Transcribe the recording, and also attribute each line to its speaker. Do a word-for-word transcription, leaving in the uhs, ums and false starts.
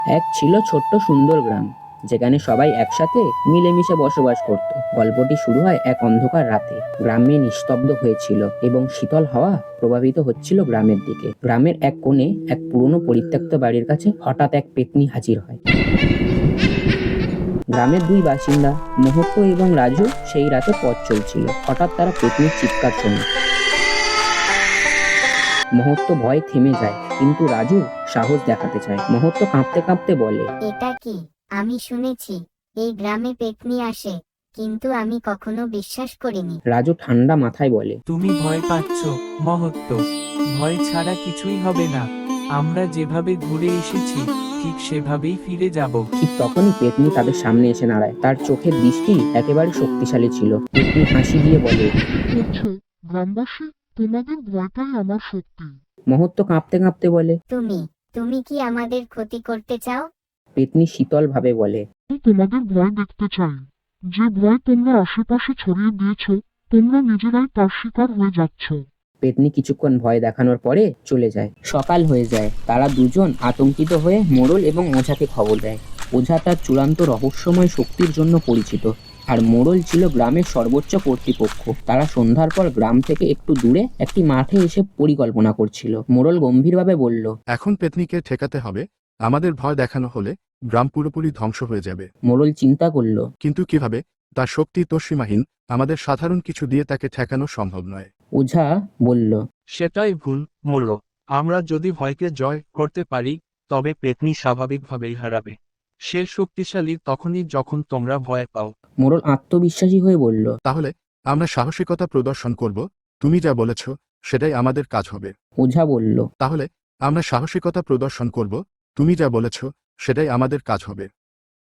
Speaker 1: এক ছিল ছোট্ট সুন্দর গ্রাম, যেখানে সবাই একসাথে মিলেমিশে বসবাস করত। গল্পটি শুরু হয় এক অন্ধকার রাতে। গ্রামে নিস্তব্ধ হয়েছিল এবং শীতল হাওয়া প্রভাবিত হচ্ছিল গ্রামের দিকে। গ্রামের এক কোণে এক পুরনো পরিত্যক্ত বাড়ির কাছে হঠাৎ এক পেত্নী হাজির হয়। গ্রামের দুই বাসিন্দা মুহূর্ত এবং রাজু সেই রাতে পথ চলছিল। হঠাৎ তারা পেত্নীর চিৎকার শোনে। মুহূর্ত ভয় থেমে যায়, কিন্তু রাজু সাহস দেখাতে চায়। মুহূর্ত কাঁপতে কাঁপতে বলে,
Speaker 2: এটা কি? আমি শুনেছি এই গ্রামে পেত্নী আসে, কিন্তু আমি কখনো বিশ্বাস করিনি।
Speaker 1: রাজু ঠান্ডা মাথায় বলে,
Speaker 3: তুমি ভয় পাচ্ছ মহত্ব, ভয় ছাড়া কিছুই হবে না। আমরা যেভাবে ঘুরে এসেছি ঠিক সেভাবেই ফিরে যাব।
Speaker 1: ঠিক তখনই পেত্নী তাদের সামনে এসে দাঁড়ায়। তার চোখের দৃষ্টি একেবারে শক্তিশালী ছিল। পেত্নী হাসি দিয়ে বলে,
Speaker 4: হচ্ছে গ্রামবাসী, তোমাদের ভয়টাই আমার শক্তি।
Speaker 1: মুহূর্ত কাঁপতে কাঁপতে বলে,
Speaker 2: তুমি তুমি কি আমাদের ক্ষতি করতে চাও?
Speaker 1: পেত্নী শীতল ভাবে বলে,
Speaker 4: আমি তোমাদের ভয় দেখতে চাই। যে ভয় তোমরা আশেপাশে ছড়িয়ে দিয়েছ, তোমরা নিজেরাই তার শিকার হয়ে যাচ্ছ।
Speaker 1: পেত্নী কিছুক্ষণ ভয় দেখানোর পরে চলে যায়। সকাল হয়ে যায়। তারা দুজন আতঙ্কিত হয়ে মোড়ল এবং ওঝাকে খবর দেয়। ওঝা তার চূড়ান্ত রহস্যময় শক্তির জন্য পরিচিত, আর মোড়ল ছিল গ্রামের সর্বোচ্চ কর্তৃপক্ষ। তারা সন্ধ্যার পর গ্রাম থেকে একটু দূরে একটি মাঠে এসে পরিকল্পনা করছিল। মোড়ল গম্ভীরভাবে বলল,
Speaker 5: এখন পেত্নীকে ঠেকাতে হবে। আমাদের ভয় দেখানো হলে গ্রাম পুরোপুরি ধ্বংস হয়ে যাবে।
Speaker 1: মোড়ল চিন্তা করল।
Speaker 5: কিন্তু কিভাবে? তার শক্তি তো সীমাহীন। আমাদের সাধারণ কিছু দিয়ে তাকে ঠেকানো সম্ভব নয়।
Speaker 1: ওঝা বলল,
Speaker 6: সেটাই ভুল মূল্য। আমরা যদি ভয়কে জয় করতে পারি, তবে পেত্নী স্বাভাবিকভাবেই হারাবে। সে শক্তিশালী তখনই যখন তোমরা ভয় পাও।
Speaker 1: মোড়ল আত্মবিশ্বাসী হয়ে বলল,
Speaker 5: তাহলে আমরা সাহসিকতা প্রদর্শন করব। তুমি যা বলেছ সেটাই আমাদের কাজ হবে।
Speaker 1: ওঝা বলল,
Speaker 5: তাহলে আমরা সাহসিকতা প্রদর্শন করব। তুমি যা বলেছ সেটাই আমাদের কাজ হবে।